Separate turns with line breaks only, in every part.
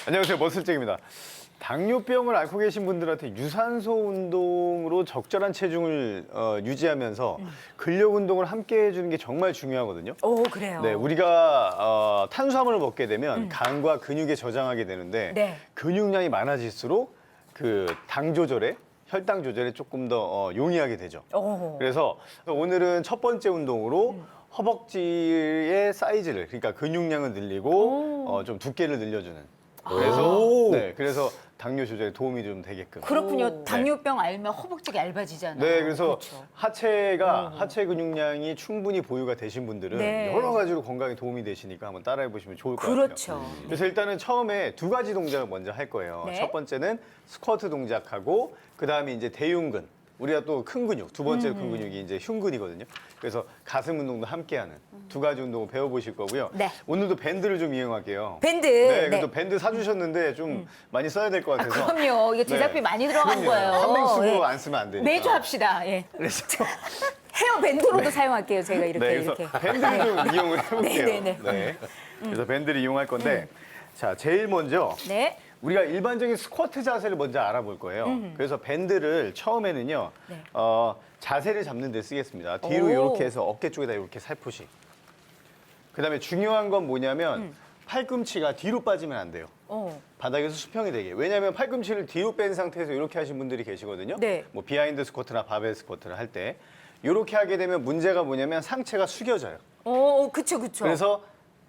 안녕하세요, 머슬잭입니다. 당뇨병을 앓고 계신 분들한테 유산소 운동으로 적절한 체중을 유지하면서 근력 운동을 함께 해주는 게 정말 중요하거든요.
오, 그래요.
네, 우리가 탄수화물을 먹게 되면 간과 근육에 저장하게 되는데
네.
근육량이 많아질수록 그 당 조절에 혈당 조절에 조금 더 용이하게 되죠.
오.
그래서 오늘은 첫 번째 운동으로 허벅지의 사이즈를, 그러니까 근육량을 늘리고 좀 두께를 늘려주는. 그래서 당뇨 조절에 도움이 좀 되게끔.
그렇군요. 당뇨병 알면 허벅지가 얇아지잖아요.
네, 그래서
그렇죠.
하체 근육량이 충분히 보유가 되신 분들은
네.
여러 가지로 건강에 도움이 되시니까 한번 따라해 보시면 좋을 것 같아요.
그렇죠.
그래서 일단은 처음에 두 가지 동작을 먼저 할 거예요.
네.
첫 번째는 스쿼트 동작하고 그다음에 이제 대흉근. 우리가 또 큰 근육, 두 번째 큰 근육이 이제 흉근이거든요. 그래서 가슴 운동도 함께하는 두 가지 운동을 배워보실 거고요.
네.
오늘도 밴드를 좀 이용할게요.
밴드.
네,
네.
그래도 밴드 사주셨는데 좀 많이 써야 될 것 같아서.
그럼요. 이게 제작비 많이 들어간 거예요.
한맹수로
예.
안 쓰면 안 되니까.
매주 합시다. 예.
그래서
헤어 밴드로도 사용할게요. 제가 이렇게
네, 그래서
이렇게.
밴드를 좀 이용을 해볼게요.
네.
그래서 밴드를 이용할 건데, 자, 제일 먼저
네.
우리가 일반적인 스쿼트 자세를 먼저 알아볼 거예요. 그래서 밴드를 처음에는요,
네.
자세를 잡는 데 쓰겠습니다. 뒤로
오.
이렇게 해서 어깨 쪽에다 이렇게 살포시. 그다음에 중요한 건 뭐냐면 팔꿈치가 뒤로 빠지면 안 돼요. 바닥에서 수평이 되게. 왜냐하면 팔꿈치를 뒤로 뺀 상태에서 이렇게 하신 분들이 계시거든요.
네.
뭐 비하인드 스쿼트나 바벨 스쿼트를 할 때. 이렇게 하게 되면 문제가 뭐냐면 상체가 숙여져요.
오, 그쵸.
그래서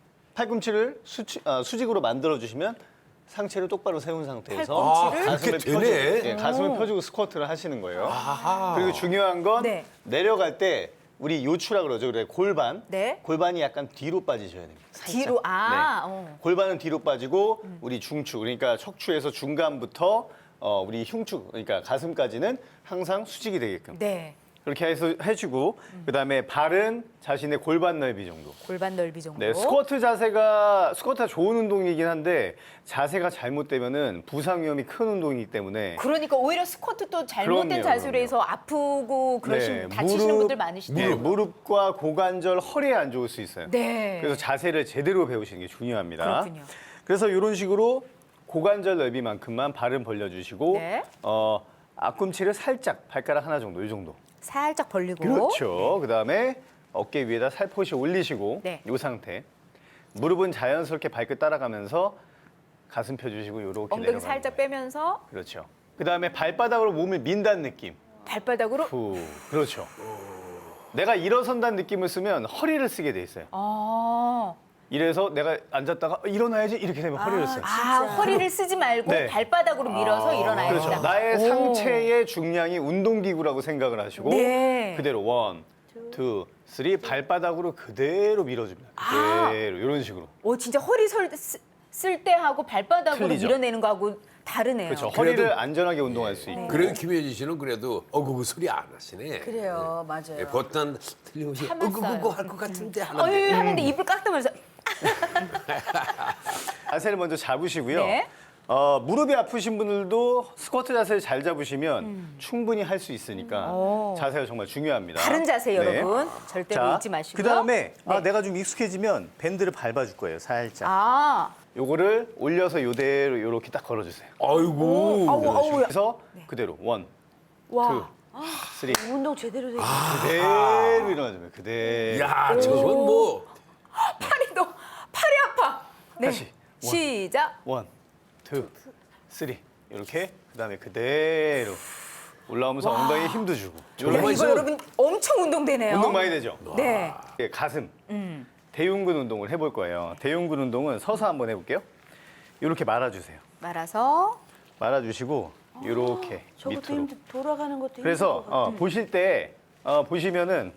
팔꿈치를 수직으로 만들어 주시면 상체를 똑바로 세운 상태에서
팔꿈치를?
가슴을
그렇게 되네.
펴주고, 가슴을 펴주고 스쿼트를 하시는 거예요. 그리고 중요한 건
네.
내려갈 때 우리 요추라 그러죠. 그래 골반.
네.
골반이 약간 뒤로 빠지셔야 됩니다. 살짝.
뒤로.
네. 골반은 뒤로 빠지고 우리 중추, 그러니까 척추에서 중간부터 우리 흉추, 그러니까 가슴까지는 항상 수직이 되게끔.
네.
그렇게 해서 해주고 그다음에 발은 자신의 골반 넓이 정도.
골반 넓이 정도.
네, 스쿼트가 좋은 운동이긴 한데 자세가 잘못되면은 부상 위험이 큰 운동이기 때문에
그러니까 오히려 스쿼트도 잘못된
그럼요,
자세로
그럼요.
해서 아프고
네,
다치시는 분들 많으시죠.
네, 무릎과 고관절, 허리에 안 좋을 수 있어요.
네.
그래서 자세를 제대로 배우시는 게 중요합니다.
그렇군요.
그래서 이런 식으로 고관절 넓이만큼만 발은 벌려주시고
네.
앞꿈치를 살짝 발가락 하나 정도, 이 정도.
살짝 벌리고.
그렇죠. 그다음에 어깨 위에다 살포시 올리시고
네.
이 상태. 무릎은 자연스럽게 발끝 따라가면서 가슴 펴주시고 이렇게
엉덩이
내려가는
살짝
거예요.
빼면서
그렇죠. 그다음에 발바닥으로 몸을 민다는 느낌.
발바닥으로.
후. 그렇죠. 내가 일어선다는 느낌을 쓰면 허리를 쓰게 돼 있어요. 이래서 내가 앉았다가 일어나야지 이렇게 되면 허리를 써요.
허리를 쓰지 말고
네.
발바닥으로 밀어서 일어나야
그렇죠.
된다.
나의
오.
상체의 중량이 운동기구라고 생각을 하시고
네.
그대로 원, 투, 쓰리 발바닥으로 그대로 밀어줍니다. 그대로 이런 식으로.
오, 진짜 허리 쓸 때 하고 발바닥으로
틀리죠.
밀어내는 거하고 다르네요.
그렇죠. 허리를 안전하게 운동할 수 있고.
그래도 김혜진 씨는 그래도 어구구 소리 안 하시네.
그래요, 맞아요.
예, 보통 틀림없이
참았어요.
어구구구 할 것 같은데 하는데.
어유 하는데 입을 깎다면서.
자세를 먼저 잡으시고요.
네.
무릎이 아프신 분들도 스쿼트 자세를 잘 잡으시면 충분히 할 수 있으니까 자세가 정말 중요합니다.
다른 자세
네.
여러분 절대로
자,
잊지 마시고요.
그다음에
네.
내가 좀 익숙해지면 밴드를 밟아줄 거예요. 살짝.
아,
요거를 올려서 요대로 이렇게 딱 걸어주세요.
아이고.
아우.
그래서 그대로 원,
와.
투, 쓰리.
운동 제대로 되게.
그대로 일어나주면 그대로.
야, 저건 뭐
팔이 아파. 네.
다시.
시작.
원, 투, 쓰리. 이렇게 그다음에 그대로 올라오면서 엉덩이에 힘도 주고.
야,
정말
이거
있으면-
여러분 엄청 운동되네요.
운동 많이 되죠?
네.
예, 가슴. 대흉근 운동을 해볼 거예요. 대흉근 운동은 서서 한번 해볼게요. 이렇게 말아주세요.
말아서.
말아주시고 이렇게
저것도
밑으로.
힘들, 돌아가는 것도
그래서 보실 때 보시면은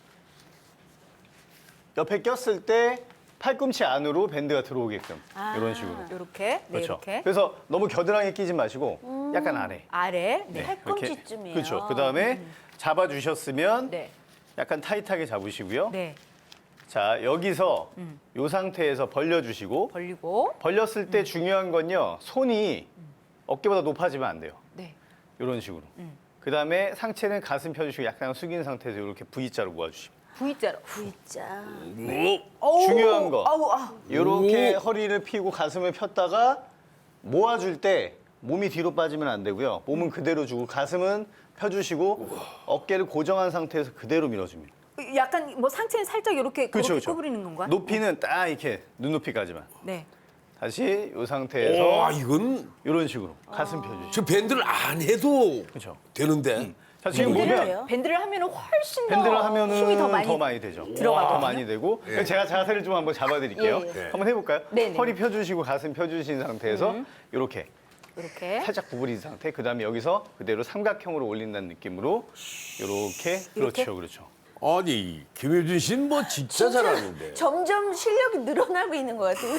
옆에 꼈을 때 팔꿈치 안으로 밴드가 들어오게끔 이런 식으로.
이렇게. 네,
그렇죠.
이렇게.
그래서 너무 겨드랑이에 끼지 마시고 약간 아래.
아래. 네.
팔꿈치쯤이에요.
그렇죠. 그 다음에 잡아주셨으면
네.
약간 타이트하게 잡으시고요.
네.
자, 여기서 이 상태에서 벌려주시고
벌리고.
벌렸을 때 중요한 건요. 손이 어깨보다 높아지면 안 돼요.
네.
이런 식으로. 그 다음에 상체는 가슴 펴주시고 약간 숙인 상태에서 이렇게 V자로 모아주시면.
V자로.
V자.
중요한 거.
아우.
이렇게 허리를 펴고 가슴을 폈다가 모아줄 때 몸이 뒤로 빠지면 안 되고요. 몸은 그대로 주고 가슴은 펴주시고 어깨를 고정한 상태에서 그대로 밀어줍니다.
약간 뭐 상체는 살짝 이렇게
그렇죠,
그렇게
그렇죠.
구부리는 건가?
높이는 딱 이렇게 눈높이까지만.
네.
다시 이
와,
상태에서
이건
이런 식으로 가슴 펴주시고.
저 밴드를 안 해도
그렇죠.
되는데.
자, 지금
밴드를
보면
해요?
밴드를 하면은 훨씬 더
밴드를 하면은
힘이 더 많이
되죠.
들어가거든요.
더 많이 되고.
예.
제가 자세를 좀 한번 잡아드릴게요.
예, 예.
한번 해볼까요?
네네.
허리 펴주시고 가슴 펴주신 상태에서 이렇게
이렇게
살짝 구부린 상태. 그 다음에 여기서 그대로 삼각형으로 올린다는 느낌으로 이렇게.
이렇게?
그렇죠, 그렇죠.
아니, 김효준 씨는 뭐 진짜 잘하는데.
점점 실력이 늘어나고 있는 것 같아요.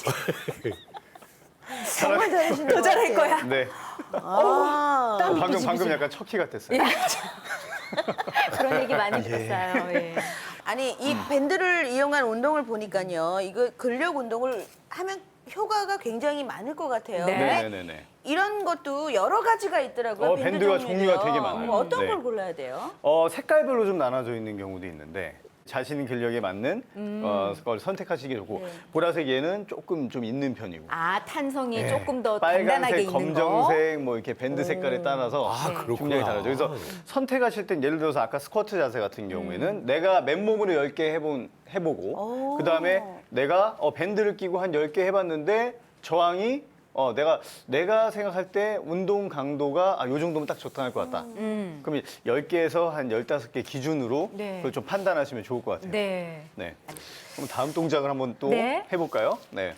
정말 잘하시는
더
것
잘할
같아요.
거야.
네.
아,
방금 약간 척키 같았어요.
그런 얘기 많이 들었어요. 예.
아니 이 밴드를 이용한 운동을 보니까요. 이거 근력 운동을 하면 효과가 굉장히 많을 것 같아요.
네.
근데
네네네.
이런 것도 여러 가지가 있더라고요.
밴드가
종류도요.
종류가 되게 많아요.
어떤
네.
걸 골라야 돼요?
색깔별로 좀 나눠져 있는 경우도 있는데 자신 근력에 맞는 걸 선택하시기 좋고
네.
보라색 얘는 조금 좀 있는 편이고
아 탄성이
네.
조금 더 단단하게
빨간색,
있는 거.
검정색 뭐 이렇게 밴드 색깔에 따라서
아, 그렇구나.
중량이 다르죠. 그래서 선택하실 땐 예를 들어서 아까 스쿼트 자세 같은 경우에는 내가 맨몸으로 10개 해보고 그다음에 내가 밴드를 끼고 한 10개 해봤는데 저항이 내가 생각할 때 운동 강도가 요 정도면 딱 적당할 것 같다. 그럼 10개에서 한 15개 기준으로
네.
그걸 좀 판단하시면 좋을 것 같아요.
네.
네. 그럼 다음 동작을 한번 또
네.
해볼까요? 네.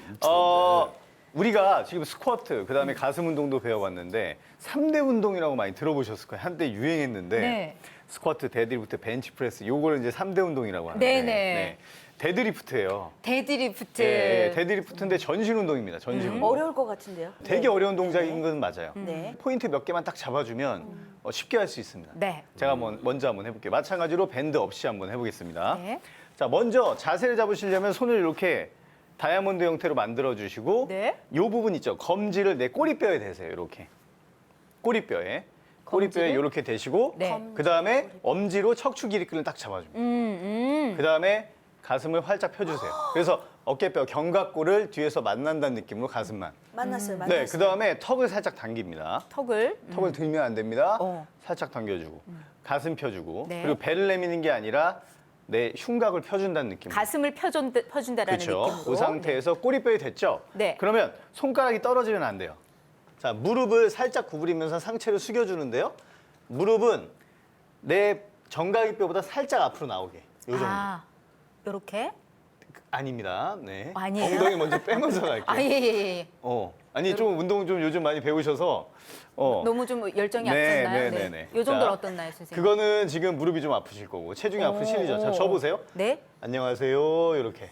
우리가 지금 스쿼트, 그다음에 가슴 운동도 배워봤는데 3대 운동이라고 많이 들어보셨을 거예요. 한때 유행했는데
네.
스쿼트, 데드리프트, 벤치프레스 요거를 이제 3대 운동이라고 하는데
네네.
데드리프트예요.
데드리프트.
예, 데드리프트인데 전신 운동입니다. 전신 운동.
어려울 것 같은데요.
되게 어려운 동작인 건 맞아요.
네.
포인트 몇 개만 딱 잡아주면 쉽게 할 수 있습니다.
네.
제가 먼저 한번 해볼게요. 마찬가지로 밴드 없이 한번 해보겠습니다.
네.
자, 먼저 자세를 잡으시려면 손을 이렇게 다이아몬드 형태로 만들어주시고
네.
이 부분 있죠. 검지를 내 꼬리뼈에 대세요. 이렇게. 꼬리뼈에. 꼬리뼈에 이렇게 대시고
네.
그다음에 엄지로 척추 기립근을 딱 잡아줍니다. 그다음에 가슴을 활짝 펴주세요. 그래서 어깨뼈, 견갑골을 뒤에서 만난다는 느낌으로 가슴만.
만났어요.
네, 그다음에 턱을 살짝 당깁니다.
턱을.
턱을 들면 안 됩니다.
어.
살짝 당겨주고 가슴 펴주고
네.
그리고 배를 내미는 게 아니라 내 흉곽을 펴준다는 느낌으로.
가슴을 펴준다라는
그렇죠.
느낌으로.
그 상태에서 꼬리뼈에 됐죠?
네.
그러면 손가락이 떨어지면 안 돼요. 자, 무릎을 살짝 구부리면서 상체를 숙여주는데요. 무릎은 내 정강이 뼈보다 살짝 앞으로 나오게. 요 정도.
이렇게.
아닙니다. 네.
아니에요?
엉덩이 먼저 빼면서 갈게요.
아, 예, 예, 예.
아니 좀 운동 좀 요즘 많이 배우셔서
너무 좀 열정이
네,
앞섰나요?
네, 네, 네.
요 정도는
자,
어떻나요, 선생님?
그거는 지금 무릎이 좀 아프실 거고 체중이 아프시죠? 자, 저 보세요.
네.
안녕하세요. 이렇게.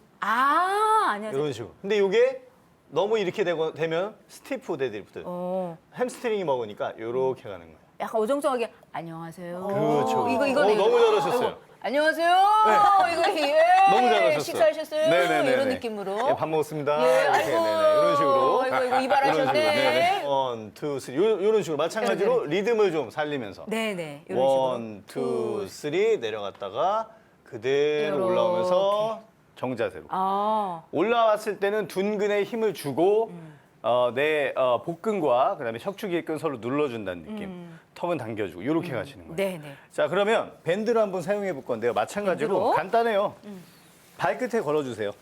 안녕하세요.
이런 식으로. 근데 이게 너무 이렇게 되면 스티프 데드리프트. 햄스트링이 먹으니까 이렇게 가는 거예요.
약간 어정쩡하게 안녕하세요.
그렇죠.
이거네.
너무 잘하셨어요.
아이고, 안녕하세요. 이거
너무 잘하셨어요.
식사하셨어요?
네네네.
이런 느낌으로.
예, 밥 먹었습니다.
예,
이렇게,
아이고.
네네. 이런 식으로.
아이고, 이발하셨네.
원, 투, 쓰리. 이런 식으로 마찬가지로 리듬을 좀 살리면서.
네네. 이런 식으로.
원, 투, 쓰리 내려갔다가 그대로
요렇게.
올라오면서 정자세로. 올라왔을 때는 둔근에 힘을 주고 내 복근과 그다음에 척추기근 서로 눌러준다는 느낌. 턱은 당겨주고 이렇게 가시는 거예요.
네네.
자, 그러면 밴드를 한번 사용해 볼 건데요. 마찬가지로
밴드로?
간단해요. 발끝에 걸어주세요.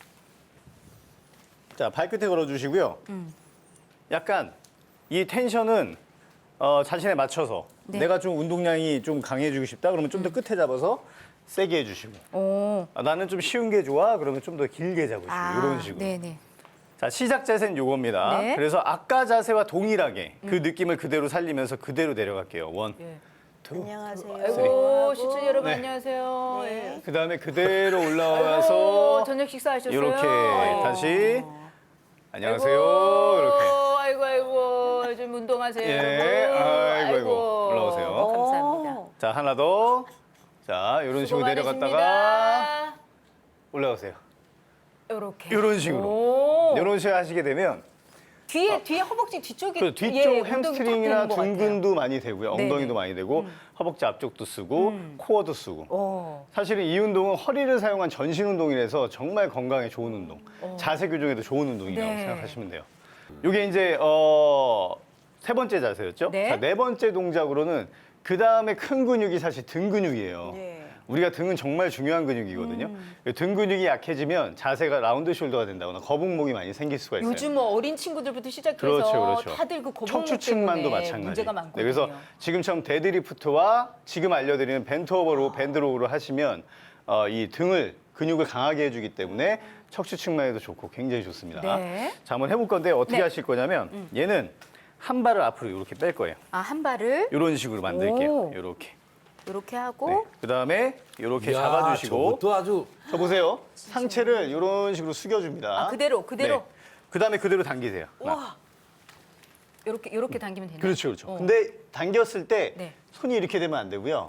자, 발끝에 걸어주시고요. 약간 이 텐션은 자신에 맞춰서
네.
내가 좀 운동량이 좀 강해지고 싶다 그러면 좀 더 끝에 잡아서 세게 해주시고 나는 좀 쉬운 게 좋아 그러면 좀 더 길게 잡으시고 이런 식으로.
네네.
자, 시작 자세는 요겁니다.
네.
그래서 아까 자세와 동일하게 그 느낌을 그대로 살리면서 그대로 내려갈게요. 원,
예.
투.
안녕하세요.
아이고, 시청자 여러분
네.
안녕하세요.
네.
그다음에 그대로
아이고,
올라와서
저녁 식사하셨어요?
이렇게
아이고.
다시 안녕하세요.
아이고,
이렇게.
아이고, 좀 운동하세요.
예, 아이고. 올라오세요.
감사합니다.
자, 하나 더. 자, 이런
수고
식으로 내려갔다가
많으십니다.
올라오세요.
이렇게.
이런 식으로.
오.
이런 식으로 하시게 되면
뒤에 허벅지 뒤쪽이
그 뒤쪽
예, 운동이 딱
햄스트링이나
되는 것 같아요.
둔근도 많이 되고요.
네네.
엉덩이도 많이 되고 허벅지 앞쪽도 쓰고 코어도 쓰고.
오.
사실은 이 운동은 허리를 사용한 전신 운동이라서 정말 건강에 좋은 운동. 자세 교정에도 좋은 운동이라고
네.
생각하시면 돼요. 이게 이제 세 번째 자세였죠.
네.
자, 네 번째 동작으로는 그 다음에 큰 근육이 사실 등 근육이에요.
네.
우리가 등은 정말 중요한 근육이거든요. 등 근육이 약해지면 자세가 라운드 숄더가 된다거나 거북목이 많이 생길 수가 있어요.
요즘 뭐 어린 친구들부터 시작해서
그렇죠.
다들 그 거북목
척추측만도
때문에
마찬가지.
문제가
네,
많거든요.
그래서 지금처럼 데드리프트와 지금 알려드리는 벤트오버로 밴드로우를 하시면 이 등을 근육을 강하게 해주기 때문에 척추측만 해도 좋고 굉장히 좋습니다.
네.
자, 한번 해볼 건데 어떻게
네.
하실 거냐면 얘는 한 발을 앞으로 이렇게 뺄 거예요.
아, 한 발을
이런 식으로 만들게요.
오.
이렇게.
이렇게 하고
네. 그다음에 이렇게
야,
잡아주시고
저것도 아주
저 보세요. 상체를 이런 식으로 숙여줍니다.
아, 그대로.
네. 그다음에 그대로 당기세요. 하나.
와. 이렇게 당기면 되나요?
그렇죠, 그렇죠.
어.
근데 당겼을 때
네.
손이 이렇게 되면 안 되고요.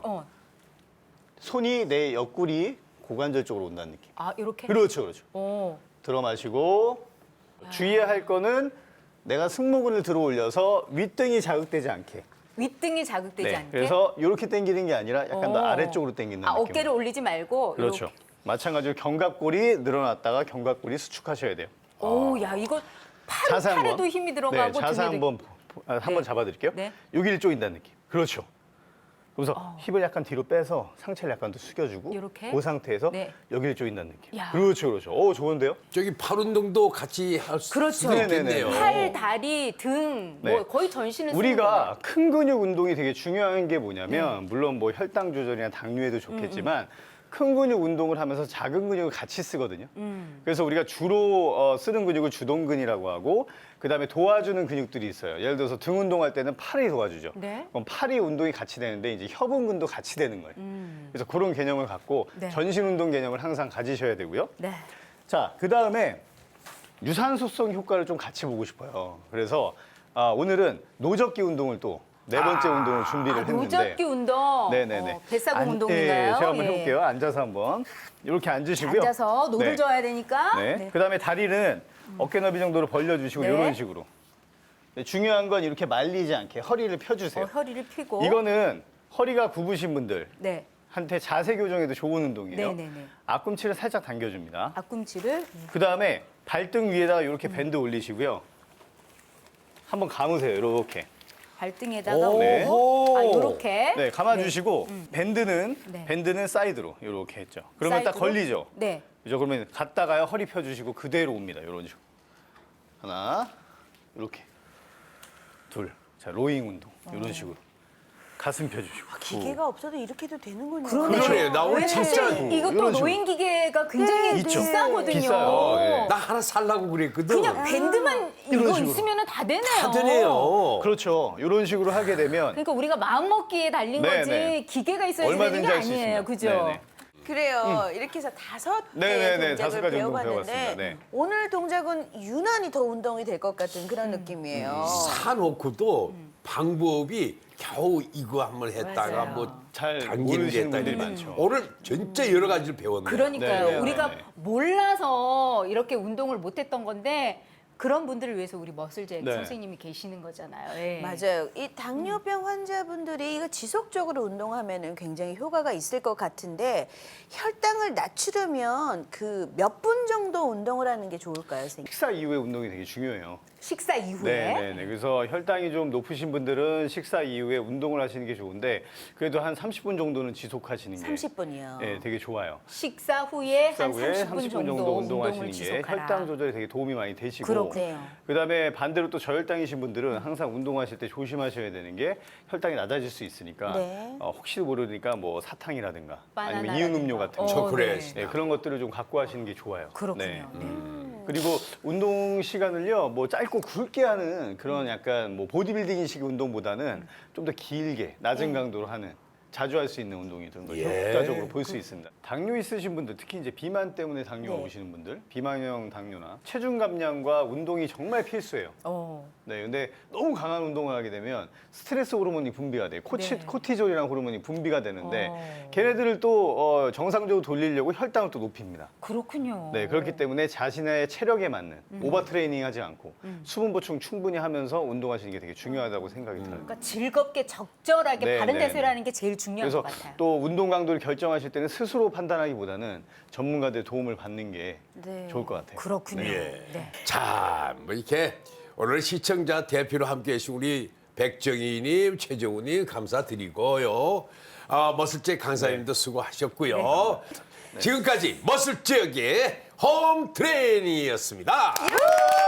손이 내 옆구리 고관절 쪽으로 온다는 느낌.
아, 이렇게?
그렇죠, 그렇죠.
어.
들어 마시고 주의해야 할 거는 내가 승모근을 들어 올려서 윗등이 자극되지 않게.
윗등이 자극되지 않게.
그래서 이렇게 당기는 게 아니라 약간 더
어.
아래쪽으로 당기는
아,
느낌.
어깨를 올리지 말고
그렇죠.
이렇게.
마찬가지로 견갑골이 늘어났다가 견갑골이 수축하셔야 돼요.
오, 야, 이거
자세 한번.
팔에도 힘이 들어가고
네, 자세
등에도
한번 한번 잡아드릴게요.
네.
여기를 조인다는 느낌. 그렇죠. 그래서 힙을 약간 뒤로 빼서 상체를 약간 더 숙여주고
이렇게?
그 상태에서
네.
여기를 조인다는 느낌.
야.
그렇죠, 그렇죠. 오, 좋은데요?
저기 팔 운동도 같이 할 수
그렇죠.
있겠네요.
팔, 다리, 등,
네.
뭐 거의 전신을 쓰는
우리가 큰 근육 운동이 되게 중요한 게 뭐냐면 물론 뭐 혈당 조절이나 당뇨에도 좋겠지만 큰 근육 운동을 하면서 작은 근육을 같이 쓰거든요. 그래서 우리가 주로 쓰는 근육을 주동근이라고 하고 그다음에 도와주는 근육들이 있어요. 예를 들어서 등 운동할 때는 팔이 도와주죠.
네.
그럼 팔이 운동이 같이 되는데 이제 협응근도 같이 되는 거예요. 그래서 그런 개념을 갖고
네.
전신 운동 개념을 항상 가지셔야 되고요.
네.
자, 그다음에 유산소성 효과를 좀 같이 보고 싶어요. 그래서 오늘은 노젓기 운동을 또 네 번째 운동을 준비를 했는데
노젓기 운동.
네네네.
뱃사공 운동인가요?
제가 한번
예.
해볼게요. 앉아서 한번 이렇게 앉으시고요.
앉아서 노를
네.
져야 되니까.
네.
네.
그다음에 다리는 어깨 넓이 정도로 벌려주시고
네.
이런 식으로. 네, 중요한 건 이렇게 말리지 않게 허리를 펴주세요.
허리를 펴고.
이거는 허리가 굽으신 분들
네.
한테 자세 교정에도 좋은 운동이에요.
네네네.
앞꿈치를 살짝 당겨줍니다.
앞꿈치를.
그다음에 발등 위에다가 이렇게 밴드 올리시고요. 한번 감으세요. 이렇게.
발등에다가
오.
네.
아, 요렇게.
네, 감아주시고 밴드는
네.
밴드는 사이드로 이렇게 했죠. 그러면 딱
사이드로?
걸리죠.
네.
그죠? 그러면 갔다가요 허리 펴주시고 그대로 옵니다. 이런 식으로. 하나, 이렇게. 둘. 자, 로잉 운동. 이런 식으로. 가슴 펴주시고.
기계가 없어도 이렇게 해도 되는군요.
그러네요. 나 오늘
왜
진짜
사실 이것도
이런 식으로.
노인 기계가 굉장히
있죠.
비싸거든요.
비싸요. 예.
나 하나 살라고 그랬거든.
그냥 밴드만
이런
이거
식으로.
있으면 다 되네요.
다 되네요.
그렇죠. 이런 식으로 하게 되면
그러니까 우리가 마음 먹기에 달린
네,
거지
네.
기계가 있어야 되는
얼마든지
게
할 수
아니에요.
있습니다.
그죠?
네네.
그래요. 이렇게 해서 다섯
네네네,
개의
다섯
동작을
가지 운동
배워봤는데
배워봤습니다. 네.
오늘 동작은 유난히 더 운동이 될 것 같은 그런 느낌이에요.
사놓고도 방법이 겨우 이거 한번 했다가
맞아요.
뭐
잘
당기는
모르시는
게
분들이
있다니.
많죠.
오늘 진짜 여러 가지를 배웠네요.
그러니까요.
네, 네,
우리가
네, 네.
몰라서 이렇게 운동을 못했던 건데 그런 분들을 위해서 우리 머슬잭
네.
선생님이 계시는 거잖아요. 예.
맞아요. 이 당뇨병 환자분들이 이거 지속적으로 운동하면은 굉장히 효과가 있을 것 같은데 혈당을 낮추려면 그 몇 분 정도 운동을 하는 게 좋을까요, 선생님?
식사 이후에 운동이 되게 중요해요.
식사 이후에
네네네. 그래서 혈당이 좀 높으신 분들은 식사 이후에 운동을 하시는 게 좋은데 그래도 한 30분 정도는 지속하시는 게
30분이요.
네, 되게 좋아요.
식사 후에
식사
한
후에
30분
30분 정도 운동하시는 게
지속하라.
혈당 조절에 되게 도움이 많이 되시고
그렇군요.
그다음에 반대로 또 저혈당이신 분들은 항상 운동하실 때 조심하셔야 되는 게 혈당이 낮아질 수 있으니까
네.
혹시 모르니까 뭐 사탕이라든가 아니면
바나나라든가.
이온 음료 같은 거
초콜릿.
네, 그런 것들을 좀 갖고 하시는 게 좋아요.
그렇군요.
네.
네.
그리고 운동 시간을요, 뭐 짧고 굵게 하는 그런 약간 뭐 보디빌딩식 운동보다는 좀 더 길게 낮은 강도로 하는 자주 할 수 있는 운동이 좀 더
예.
효과적으로 볼 수 있습니다. 당뇨 있으신 분들, 특히 이제 비만 때문에 당뇨가
네.
오시는 분들, 비만형 당뇨나 체중 감량과 운동이 정말 필수예요.
어.
네, 근데 너무 강한 운동을 하게 되면 스트레스 호르몬이 분비가 돼요.
네.
코티졸이라는 호르몬이 분비가 되는데
어.
걔네들을 또 정상적으로 돌리려고 혈당을 또 높입니다.
그렇군요.
네, 그렇기 때문에 자신의 체력에 맞는 오버 트레이닝 하지 않고 수분 보충 충분히 하면서 운동하시는 게 되게 중요하다고 생각이 들어요.
그러니까 즐겁게 적절하게
네,
바른
네,
자세를
네.
하는 게 제일 중요한
그래서
것 같아요.
또 운동 강도를 결정하실 때는 스스로 판단하기보다는 전문가들의 도움을 받는 게
네.
좋을 것 같아요.
그렇군요.
예.
네.
자, 뭐 이렇게 오늘 시청자 대표로 함께 해주신 우리 백정희님, 최정우님 감사드리고요. 머슬잭 강사님도 수고하셨고요. 지금까지 머슬잭의 홈 트레이닝이었습니다.